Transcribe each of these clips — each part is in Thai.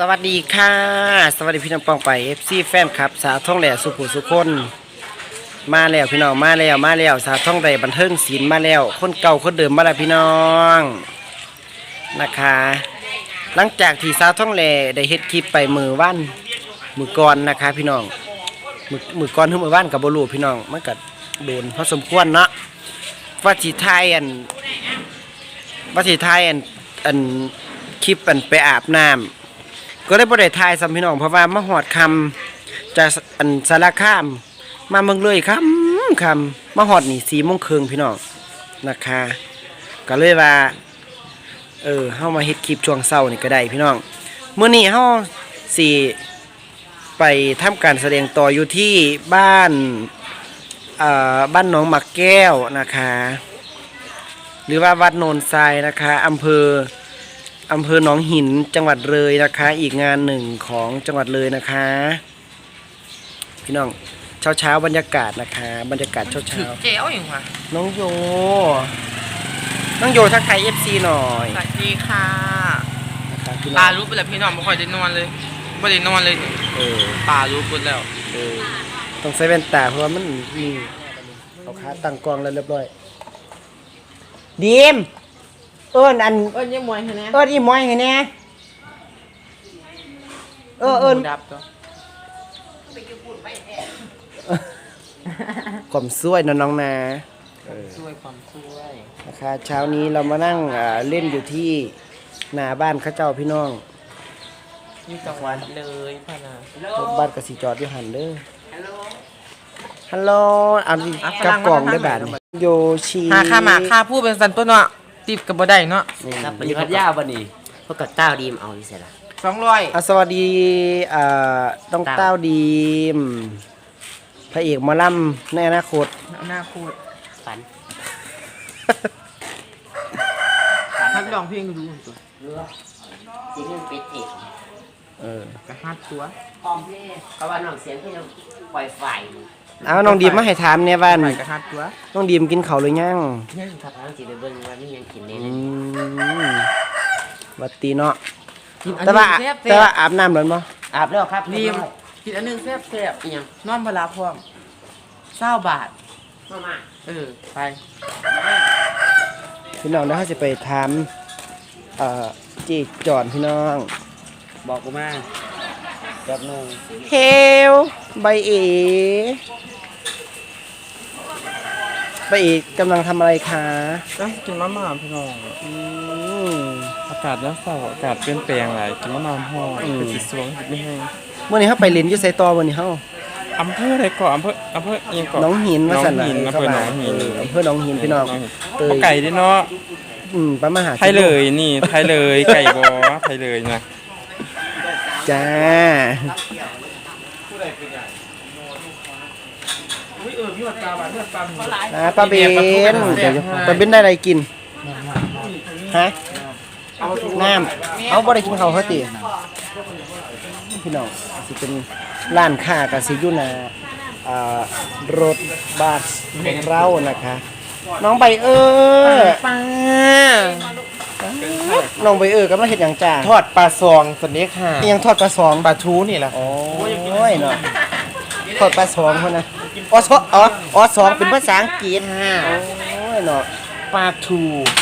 สวัสดีค่ะสวัสดีพี่น้องปองไป FC แฟนครับสาวท่องแหล่สุขุสุคนมาแล้วพี่น้องมาแล้วสาวท่องแหล่บันเทิงศิลป์มาแล้วคนเก่าคนเดิมมาแล้วพี่น้องนะคะหลังจากที่สาวท่องแหล่ได้เฮ็ดคลิปไปมือก่อนนะคะพี่น้องมือก่อนถึงมือว่านกับบลูพี่น้องมันก็โดนพอสมควรเนาะว่าสิทายอันคลิปอันไปอาบน้ำก็ได้บ่ได้ทายซ้ำพี่น้องเพราะว่ามาหอดคำจากอันสารคามมาเมืองเลยคำมาหอดนี่4 โมงครึ่งพี่น้องนะคะก็เลยว่าเฮามาเฮ็ดคลิปช่วงเช้านี่ก็ได้พี่น้องมื้อนี้เฮาสิไปทำการแสดงต่ออยู่ที่บ้านหนองหมักแก้วนะคะหรือว่าวัดโนนทรายนะคะอำเภอหนองหินจังหวัดเลยนะคะอีกงานหนึ่งของจังหวัดเลยนะคะพี่น้องเช้าบรรยากาศนะคะบรรยากาศเช้าเจ๋วอยู่ค่ะน้องโยทักทาย FC หน่อยสวัสดีค่ะนะคะพี่น้องปลารู้ไปแล้วพี่น้องไม่ค่อยได้นอนเลยไม่ได้นอนเลยปลารู้ไปแล้วต้องใส่แว่นตาเพราะว่ามันมีเอาขาตั้งกล้องแล้วเรียบร้อยดีมยี่มวยให้แน่อีมวยให้แน่ดับตัวความสวยน้องนะความช่วยนะคะเช้านี้เรามานั่งเล่นอยู่ที่หน้าบ้านข้าเจ้าพี่น้องนี่จังหวัดเลยพ่อนะรถบ้านกสิจอดอยู่หันเด้อฮัลโหลเอากับกล่องได้แบบโยชิค่าพูดเป็นสันตัวเนาะติดกับบ่ได้เนาะครับวันนี้พัทยาวันนี้พวกกับเต้าดีมเอาที่เสร็จละ 200 สวัสดีต้องเต้าดีมพระเอกหมอลำในอนาคตฝันฮัดลองเพลงดูตัวจริงๆเป็นเอกกระฮัดตัวเพราะว่าน้องเสียงที่เราปล่อยไฟเอาน้องดีมมาให้ถามเนี่ยบ้านกระฮัดตัวน้องดีมกินข้าวหรือยังครับน้องจีไปเบิ่งว่ามียังกินเนี่ยวัดตีเนาะแต่ว่าอาบน้ำหรือเปล่าอาบแล้วครับดีมกินอันนึงแซ่บยังนอนพลาพร้อม20 บาทมาไปพี่น้องแล้วเขาจะไปถามจีจอนพี่น้องบอกกูมาแบบนึงเฮลใบเอกำลังทำอะไรคะก็กินมะม่าพี่น้องอากาศแล้วเศร้าอากาศเปลี่ยนแปลงหลายกินมะม่าห่อคือสิสวงไม่ให้เมื่อนี้เขาไปเล่นอยู่ไสตอวันนี้เขาอำเภออะไรก่อนอำเภอยังก่อนน้องหินว่าสั่นอำเภอหนองหินอำเภอหนองหินพี่น้องไก่ด้วยเนาะประมาณไทยเลยนี่ไทยเลยไก่บอไทยเลยนะจ้าป้าเบนได้อะไรกินฮะน้ำเอาบ่ได้กินข้าวเขาตีพี่น้องสิเป็นร้านค้ากับสิอยู่รถบัสของเรานะคะน้องใบป้าน้องใบกำลังเฮ็ดหยังจ้าทอดปลาซองสเน็กค่ะยังทอดปลาซองปลาทูนี่แหละโอ้ยเนาะทอดปลาซองคนนะสองเป็นภาษาอังกฤษโอ้ยเนาะปลาทู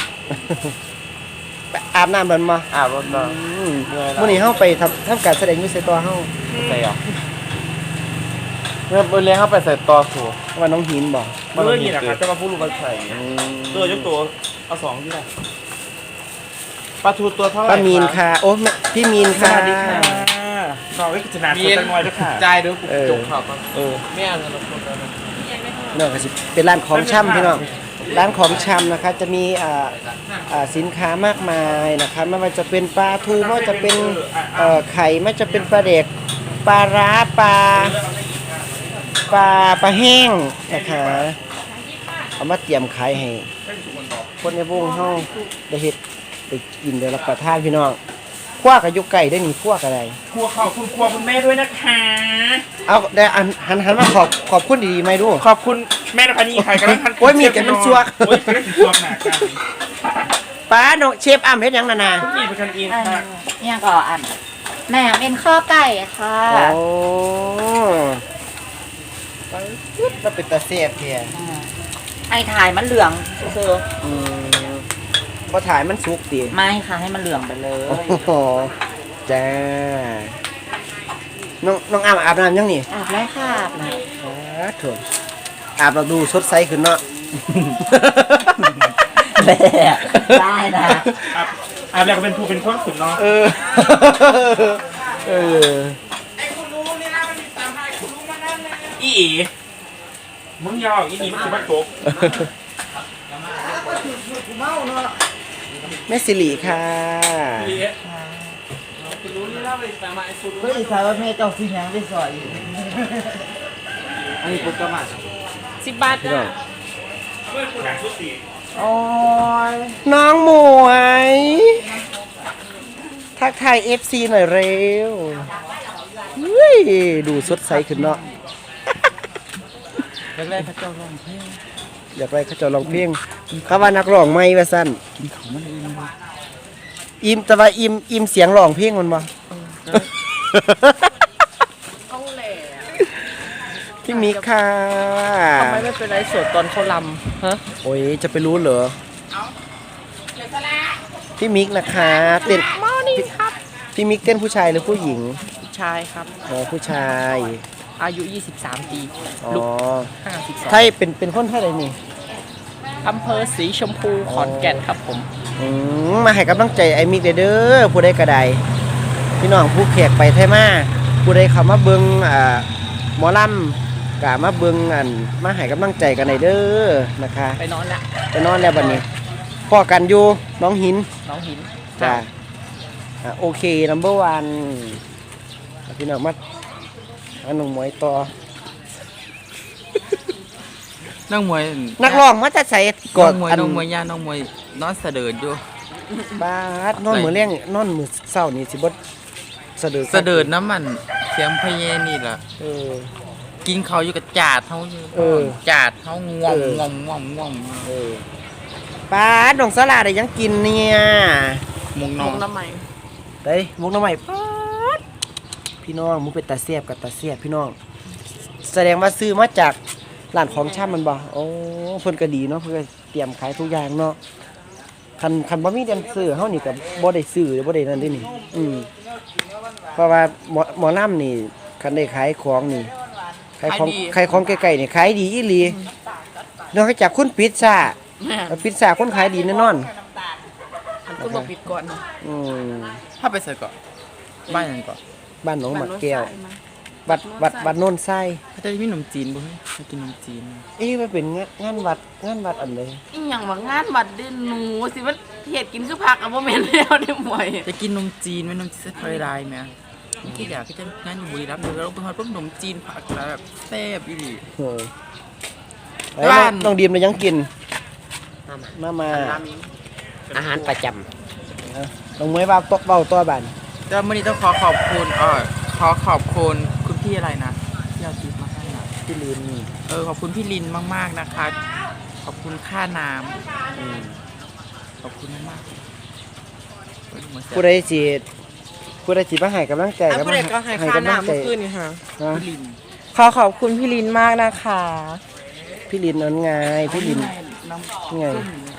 อาบน้ำมันมาอาบรถมาเมื่อนี้เฮาไปทำการแสดงอยู่ไสตอเฮาใส่หรอเมื่อเลี้ยงเข้าไปใส่ตอสูว่าน้องหินบอกเมื่อหินนะครับจะมาพูดรูปใส่ตัวยกตัวเอา2ที่ไหนปลาทูตัวเท่าไหร่ป้ามีนค่ะโอ้พี่มีนค่ะสวัสดีค่ะน้องวิจนาตัวจังน้อยด้วยค่ะใจเด้อจุกข่าวแม่เงินเราคนเนาะก็สิเป็นร้านของชำพี่น้องร้านของชำนะคะจะมีสินค้ามากมายนะคะไม่ว่าจะเป็นปลาทูไม่ว่าจะเป็นไข่ไม่ว่าจะเป็นปลาเด็กปลาร้าปลาแห้งนะคะเอามาเตรียมขายให้คนในวงเฮาได้เฮ็ดได้กินได้รับประทานพี่น้องคั่วกับยุกไก่ได้นี่คั่วกับอะไรคั่วข้าวคุณแม่ด้วยนะคะเอาได้หันมาขอบคุณดีๆไหมดูขอบคุณแม่นภานีใครกันโอ้ยมีแต่มันซัวโอ้ยเป็นซัวหนักกันป้าโนเชฟอ้ำเฮ็ดหยังนานี่เป็นกันเองค่ะเนี่ยก็แหนมเอ็นข้อไก่ค่ะโอ้มันเป็นตาเสียบเพียไอ้ถ่ายมันเหลืองเซอร์พอถ่ายมันสุกดีไม่ค่ะให้มันเหลืองไปเลยโอ้โหจ้าน้องอาบน้ำยังนี่อาบแล้วค่ะถูกอาบเราดูสดใสขึ้นเนาะแหละได้นะอาบแล้วก็เป็นผู้เป็นคนสุดเนาะเออ เอออีมึงยาวอีนี่มันสิมาตกแม่สิริค่ะเฮ้ยถามว่าแม่เจ้าสิยังได้สอยอันนี้ปุ๊บก็มา 10 บาทจ้ะโอ้ยน้องหมวย ทักทาย FC หน่อยเร็วเฮ้ยดูสดใสขึ้นเนาะแรกๆเขาเจ้าร้องเพลงอยากไปเขาเจะลองเพลงเขาว่านักร้องไม่ว่าสั้นกินเขามันเองเลยอิมแต่ว่าอิมเสียงร้องเพลงมันบ่พี่มิกค่ะทำไมไม่เป็นไรสดตอนเขาลำฮะโอ้ยจะไปรู้เหรอพี่มิกนะคะเต้นพี่มิกเต้นผู้ชายหรือผู้หญิงชายครับอ๋อผู้ชายอายุ 23 ปีอ๋อลูกไทยเป็นคนไทยเลยนี่ 52อำเภอสีชมพูขอนแก่นครับผมมาให้กำลังใจไอ้มิกเด้อผู้ใดก็ได้พี่น้องผู้แขกไปไทยมาผู้ใดเข้ามาเบิ่งหมอลำกะมาเบิ่งมาให้กำลังใจกันหน่อยเด้อนะคะไปนอนละไปนอนแล้วบัดนี้พ่อกันอยู่น้องหินน้องหินจ้าโอเคนัมเบอร์วันพี่น้องมาอันน้องหมวยต่อน้องมวยนักร้องมาจะใส่กน้ออดงมวยอันน้องมวยย่าน้องมวยนอนเสดิร์ดอยู่บาดนอนมือเลี้ยงนอนมือเศร้านี่สิบดสะดือเสดิร์ดน้ำมันเสียงพะเยนี่ล่ะเออกินเขาวอยู่กับจาดเขาอยู่เออจาดเขาง่วงเออง่วงง่วงง่วงเออปาดน้องสลาได้ยังกินเนี่ยมุงนน้ออน งน้ำใหม่ได้มุกน้ำใหม่ปาดพี่น้องมุกเป็นตาเสียบกับตาเสียบพี่น้อง แสดงว่าซื้อมาจากร้านของช่ำมันบ่โอ้เพิ่นก็ดีเนาะเพิ่นก็เตรียมขายทุกอย่างเนาะคันบ่มีแดนเซอร์เฮานี่ก็บ่ได้ซื้อหรือบ่ได้นั่นเด้นี่เพราะว่าหมอลำนี่คันได้ขายของนี่ขายของไกลๆนี่ขายดีอีหลีนอกจากคุณปิดซ่าปิดซ่าคนขายดีแน่นอนมันก็บอกปิดก่อนนะอืมถ้าไปใส่เกาะบ้านยังเกาะบ้านหนองหมักแก้ววัดโนนไส้เขาจะมีขนมจีนบ่เฮ้ยเขากินขนมจีนเอ๊ะมันเป็นงานวัดอันใดอีหยังว่างานบัดเดินหนูสิว่าเฮ็ดกินคือผักอะบ่แม่นแล้วได้หมวยจะกินขนมจีนไหมขนมจีนไฟลายไหมที่อยากที่จะงานอยู่บุรีรัมย์เดี๋ยวเราไปทอดพวกขนมจีนผักแล้วแบบแซ่บอีหลีเออไอ้บ้านน้องดีมเลยยังกินมาอาหารประจน้องมวยว่าเบาตัวบานแต่วันนี้ต้องขอขอบคุณขอขอบคุณคุณพี่อะไรนะที่เอาทิปมาให้นะพี่ลินขอบคุณพี่ลินมากๆนะคะ ขอบคุณค่าน้ำขอบคุณมากๆผู้ใดสิมาให้กำลังใจผู้ใดก็ให้ค่าน้ำเมื่อคืนนี่ค่ะฮะพี่ลินขอขอบคุณพี่ลินมากนะคะพี่ลินนั่นไงพี่ลินน้ำไง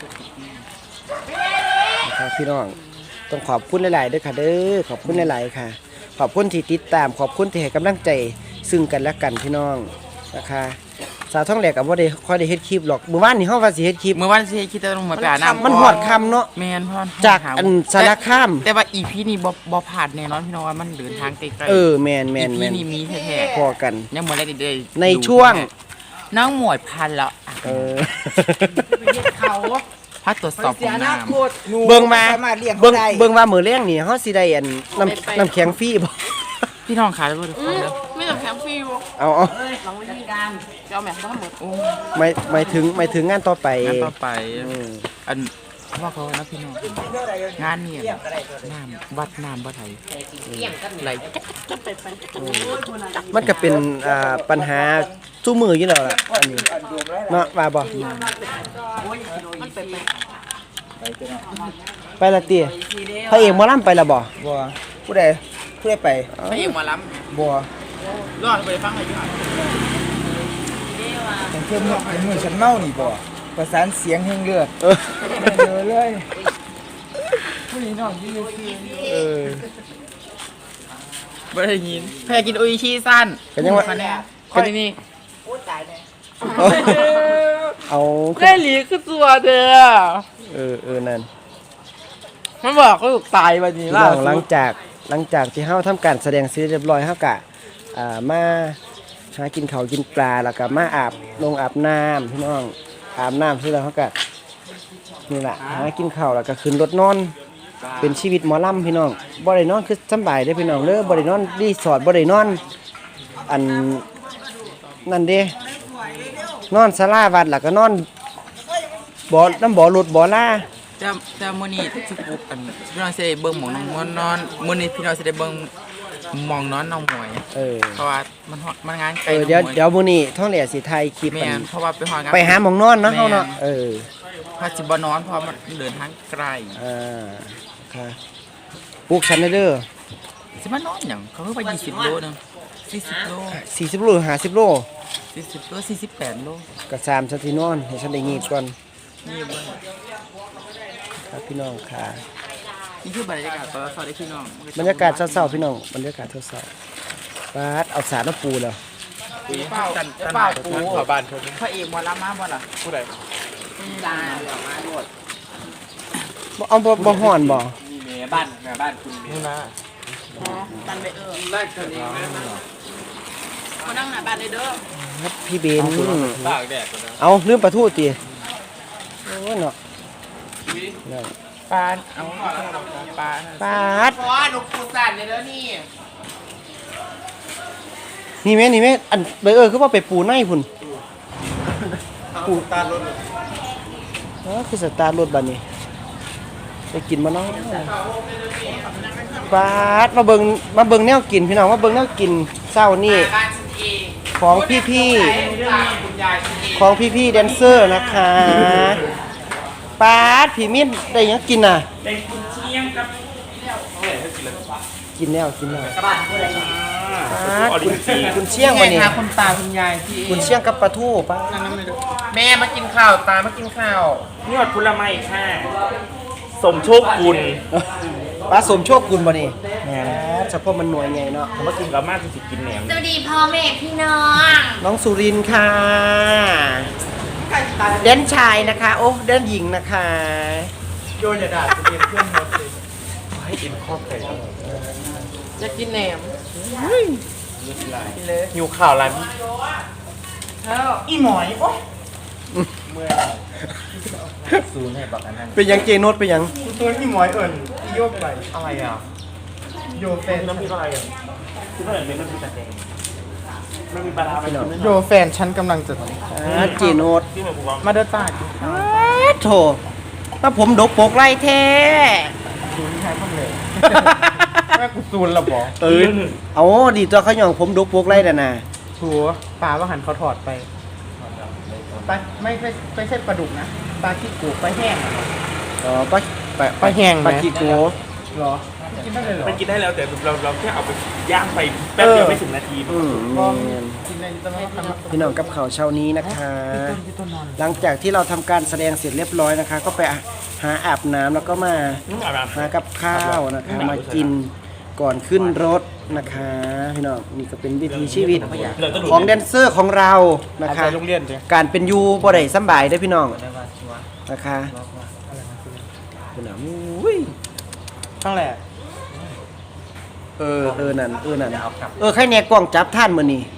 นะครับพี่น้องต้องขอบคุณหลายๆด้วยค่ะเด้อขอบคุณหลายๆค่ะ ขอบคุณที่ติดตามขอบคุณที่ให้กำลังใจซึ่งกันและกันพี่น้องนะคะสาวท้องแหลกกับว่าได้ค่อยได้เฮ็ดคลิปหรอกเมื่อวานนี่เฮาว่าสิเฮ็ดคลิปเมื่อวันที่คิดจะลงมาไปอาบน้ำมันหอดคำเนาะแมนพอนจากอันสารคามแต่ว่าอีพีนี่บ่ผ่านแน่นอนพี่น้องว่ามันเดินทางไกลๆแมนอีพีนี่มีแท้พอกันๆยังหมดแล้วได้ในช่วงน้องหมวยพันแล้วเออพักตรวจสอบของน้ำเบิ่งมาเบิ่งว่ามื้อแรงนี่เฮาสิได้อันน้ำแข็งฟรีบ่พี่น้องขายแล้วทุกคนแล้วไม่ต้องแถมฟรีบ่เอาหลังวิธีการจะเอาแม่บ่หมดโอ้หมายถึงงานต่อไปงานต่อไปอืมอันว่าเขานะพี่น้องงานเนี่ยน้ำวัดน้ำวัดไทยไหลมันก็เป็นปัญหาสู้มืออยู่แล้วล่ะอันนี้เนาะว่าบ่ไปละติพระเอกหมอลำไปละบ่บ่ผู้ใดเพื่อไปพระเอกหมาล้บัวำรอดไปฟังหน่อยดีกว่าแต่เพื่อนเมื่อฉันเมานี่บ่ประสานเสียงแห่งเลือดเยอะเลยผู้หญิงนอนยืนบ่ได้ยินแพ้กินโออิชิสั้นกันยังว่าคะแนนคนนี้เอาได้หลีคือตัวเด้อนั่นมันบอกก็ถูกตายวันนี้พี่ล่ะน้องหลังจากที่เฮาทำการแสดงเสร็จเรียบร้อยเฮากะมาหากินข้าวกินปลาแล้วก็มาอาบน้ำพี่น้องอาบน้ำเสร็จแล้วเฮากะนี่ล่ะหากินข้าวแล้วก็ขึ้นรถนอนเป็นชีวิตหมอลำพี่น้องบ่ได้นอนคือสำบายเด้อพี่น้องเด้อบ่ได้นอนรีสอร์ทบ่ได้นอนอันนั่นเด้นอนศาลาวัดแล้วก็นอนบ่อรถบ่อลาแต่มื้อนี้ที่ปุ๊บพี่น้องสิได้เบิ่งหมองน้องนอนมื้อนี้พี่น้องสิได้เบิ่งหมองนอนน้องหมวยเพราะว่ามันงานไกลเดี๋ยวมื้อนี้ท้องเหลียสิถ่ายคลิปแม่นเพราะว่าไปหางานไปหาหมองนอนเนาะเฮาเนาะพาสิบ่นอนเพราะมันเดินทางไกลค่ะปลูกฉันเด้อสิมานอนหยังเขาคือว่า20โลนึง40โล 40โลหรือ50โล 40โล48โลก็3ซะที่นอนให้ฉันได้งีบก่อนนี่เบิ่งครับพี่น้องค่ะนี่คือบรรยากาศตอนเช้าได้พี่น้องบรรยากาศเช้าๆพี่น้องบรรยากาศเช้าๆปาดเอาสารน้ำปูแล้วเป้าปูบ้านพระเอกหมอลำมาบ่ล่ะผู้ใดเอาบ่ฮ้อนบ่บ้านคุณนี่นะตันไปมานั่งหน้าบ้านเลยเด้อครับพี่เบนตากแดดก่อนนะเอาลืมปลาทูติโอ้เนาะนั่นปานเอาปานปาดเพราะว่าหนูปูสั่นเลยเด้อนี่นี่แม่อันคือว่าไปปูในพุ่นปูตาร์รถคือสตาร์ทรถบัดนี้ไปกินมาเนาะปาดมาเบิ่งแนวกินพี่น้องมาเบิ่งแนวกินเช้านี่บ้านฉันเองของพี่คุณยายฉันเองของพี่แดนเซอร์นะคะปาดพี่มิ้นได้หยังกินน่ะได้กุนเชียงกับกินแล้วปาดกุนเชียงวันนี้คุณตาคุณยายที่กุนเชียงกับปลาทูปะแม่มากินข้าวตามากินข้าวนี่หอดผลไม้ค่ะสมโชคกุลปลาสมโชคกุลบ่นี่แหมเฉพาะมันหน่วยไงเนาะผมว่ากินแล้วมากจริงๆกินแหนมสวัสดีพ่อแม่พี่น้องน้องสุรินทร์ค่ะแดนชายนะคะ โอ้แดนหญิงนะคะโยนอย่าด่าจะเป็นเพื่อนหมดเลยให้กินข้าวไก่ครับจะกินแหนมหิวข่าวร้านอีหมอยโอ๊ยซูนให้บอกอันนั้นเป็นหยังเจโนดเป็นหยังตัวอีหมอยเอิญอีโยกไปอะไรอ่ะโยแฟนน้ำพริกอะไรอ่ะคือเท่าไหร่เป็นน้ำพริกตะแกรงมันมีปลาร้าไหมโยแฟนฉันกำลังจะเจโนดมาเดินตาดโถถ้าผมดกปกไล่แท้ซูนใช้พ่อเลยแม่กูซูนละบอกเอาดีตัวเขาหย่องผมดกปกไล่น่ะนะชัวปลาว่าหันเขาถอดไปปลาไม่ใช่ปลาดุกนะปลาขี้กูปลาแห้งอ๋อปลาแห้งปลาขี้โกเหรอกินได้เลยเหรอมันกินได้แล้วแต่เราแค่เอาไปย่างไปแป๊บเดียวไม่ถึงนาทีกินได้ต้องให้ทำพี่น้องกับข่าวเช้านี้นะคะ หลังจากที่เราทำการแสดงเสร็จเรียบร้อยนะคะ ก็ไปหาอาบน้ำแล้วก็มาหากับข้าวนะคะมากินก่อนขึ้นรถนะคะพี่น้องนี่ก็เป็นวิถีชีวิตของแดนเซอร์ของเรานะคะโรงเรียนจ้ะการเป็นอยูบ่ได้สำบายเด้อพี่น้องนะคะพี่น้องอุ้ยตั้งแหละนั่นใครเนี่ยกล้องจับท่านมื้อนี้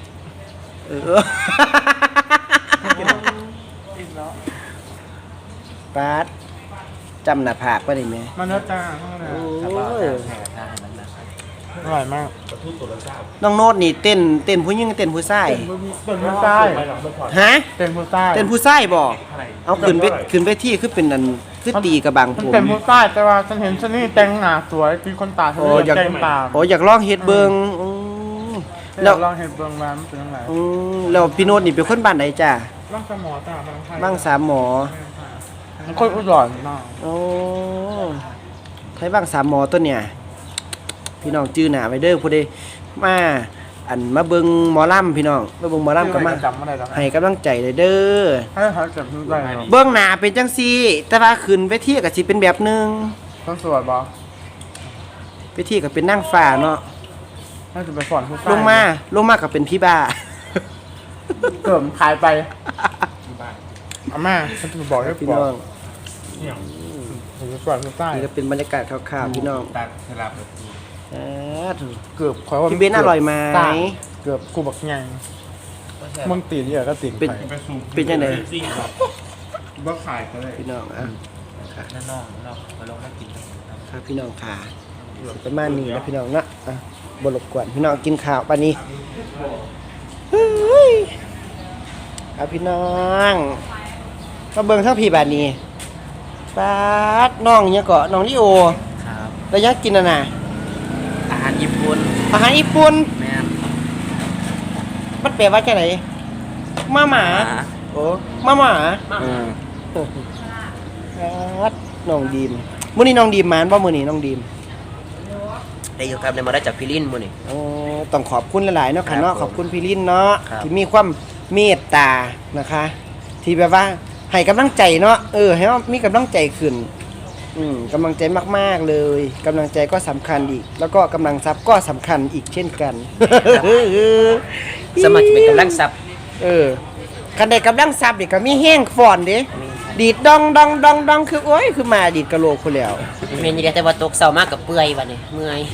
ปาดจำหน้าผากบ่ได้แม่มันเนื้อจ้าโอ้ยอร่อยมากน้องโนดนี่เต้นผู้หญิงเต้นผู้ชายเป็นผู้ใต้ฮะเป็นผู้ใต้เต้นผู้ชายบ่เอาขึ้นไปที่คือเป็นอันคือตีกระบังมันผมเป็นผู้ใต้แต่ว่าฉันเห็นฉันนี่แต่งหน้าสวยมีคนตาสวยอยากแต่งตาอยากลองเฮ็ดเบิ่งแล้แล้ว วลองเห็นเบื้องร้านเป็นยังไงแล้วพี่โนดนี่เป็นคนบ้านไหนจ้ะร่างสมอตาบางไทยบ้างสามหมอมันคนอุดรมากโอ้ไทยบ้างสามหมอตัวเนี่ยพี่น้องจื้อหน้าไว้เด้อผู้ใดมาอันมาเบิ่งหมอลำพี่น้องมาเบิ่งหมอลำก็มาจำอะไรแล้วให้กำลังใจเลยเด้อให้เขาจำได้ครับเบื้องหน้าเป็นจังซี่ แต่ว่าขึ้นเวทีก็สิเป็นแบบหนึงต้องสวดบอเวทีก็เป็นนางฟ้าเนาะน่าจะไปสอนผู้ชายลงมาก็เป็นพี่บ้าเกิดขายไปอาม่าฉันจะบอกให้พี่บอน้กองผมจะสอนผู้ชายนี่ก็เป็นบรรยากาศคร่าวๆพี่น้องตัดสลับแบบถูกเกือบขอว่าพี่เบนอร่อยไหมเกือบกูบักไงมึงตีนเยอะก็ตีนเป็นไปเป็นจังได๋ซิ่งครับบ่ขายก็เลยพี่น้องอ่ะนั่นน้องเราไปลงมากินครับพี่น้องค่ะประมาณนี้นะพี่น้องนะอ่ะบ่รบกวนพี่น้องกินข้าวปานนี้เฮ้ยเอาพี่น้องมาเบิ่งทั้งพี่บาดนี้ปาดน้องหยังเกาะน้องลิโอครับแล้วยังกินน่ะน่ะอาหารญี่ปุ่นอาหารญี่ปุ่นแม่นมันแปลว่าจังไดมาหมาโอ้มาหมา ครับน้องดีมมื้อนี้น้องดีมมาบ่มื้อนี้น้องดีมได้อยู่ครับได้มาได้จากพิลินมื้อนี้โอ้ต้องขอบคุณหลายๆเนาะค่ะเนาะครับขอบคุณพี่ลินเนาะครับที่มีความเมตตานะคะ ที่แบบว่าให้กำลังใจเนาะให้เรามีกำลังใจขึ้นกำลังใจมากๆเลยกำลังใจก็สำคัญอีก แล้วก็กำลังทรัพย์ก็สำคัญอีกเช่นกันสมัครจะเป็นกำลังทรัพย์คันใดกำลังทรัพย์นี่ก็มีแห้งฟ้อนเด้ดีดดองดองดองดองคือโอ้ยคือมาดีดกะโหลกคนแล้วแม่นอยู่แต่ว่าตกเช้ามากกับเปื่อยบัดนี้เมื่อย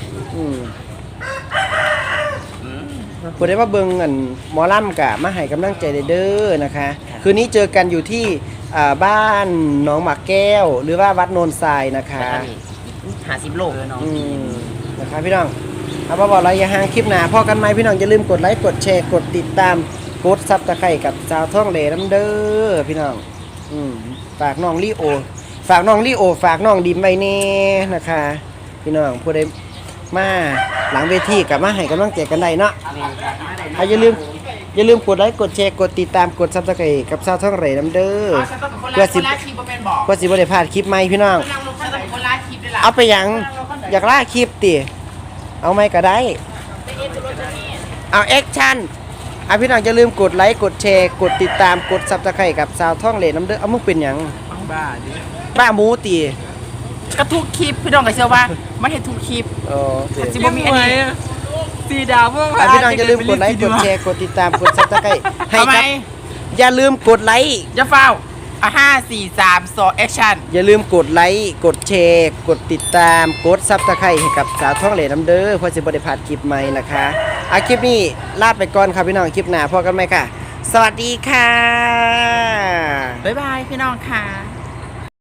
ผู้ใดว่าเบิ่งอันหมอลำกะมาให้กำลังใจเด้อนะคะ คืนนี้เจอกันอยู่ที่บ้านหนองหมากแก้ว หรือว่าวัดโนนทรายนะคะแล้วก็นี่50โลน้องนะคะพี่น้องเอาบ่บอกอะไรอย่าห่างคลิปหน้าพอกันไหมพี่น้องอย่าลืมกดไลค์กดแชร์กดติดตามกดซับตะไคร่กับสาวท่องเหลน้ำเด้อพี่น้องฝากน้องลีโอ ฝากน้องลีโอ ฝากน้องดิมไว้แน่นะคะ พี่น้องผู้ใดมาหลังเวทีกับมาให้กำลังใจกันได้เนาะอย่าลืมกดไลค์กดแชร์กดติดตามกดซับสไครต์กับสาวท่องเหลน้ำเด้อเพื่อสิบ่ได้พลาดคลิปใหม่พี่น้อง เอาไปหยังอยากล่าคลิปติเอาไหมก็ได้ เอาแอคชั่นพี่น้องอย่าลืมกดไลค์กดแชร์กดติดตามกดซับสไครต์กับสาวท่องเหลน้ำเด้อเอามึงเป็นหยังบ้าดิป้าหมูตีก็ทุกคลิปพี่น้องก็เชื่อว่ามันเห็นทุกคลิป สิบ่มีอันนี้สีดาวพวกพี่น้องอย่าลืมกดไลค์กดแชร์กดติดตามกดซับสไครต์ให้ทำไมกับอย่าลืมกดไลค์จะเฝ้า5 4 3 2แอคชั่นอย่าลืมกดไลค์กดแชร์กดติดตามกดซับสไครต์ให้กับสาวท่องเหลน้ำเด้อเพื่อสิบ่ได้พลาดคลิปใหม่นะคะคลิปนี้ลาไปก่อนครับพี่น้องคลิปหน้าพบกันใหม่ค่ะ สวัสดีค่ะบ๊ายบายพี่น้องค่ะ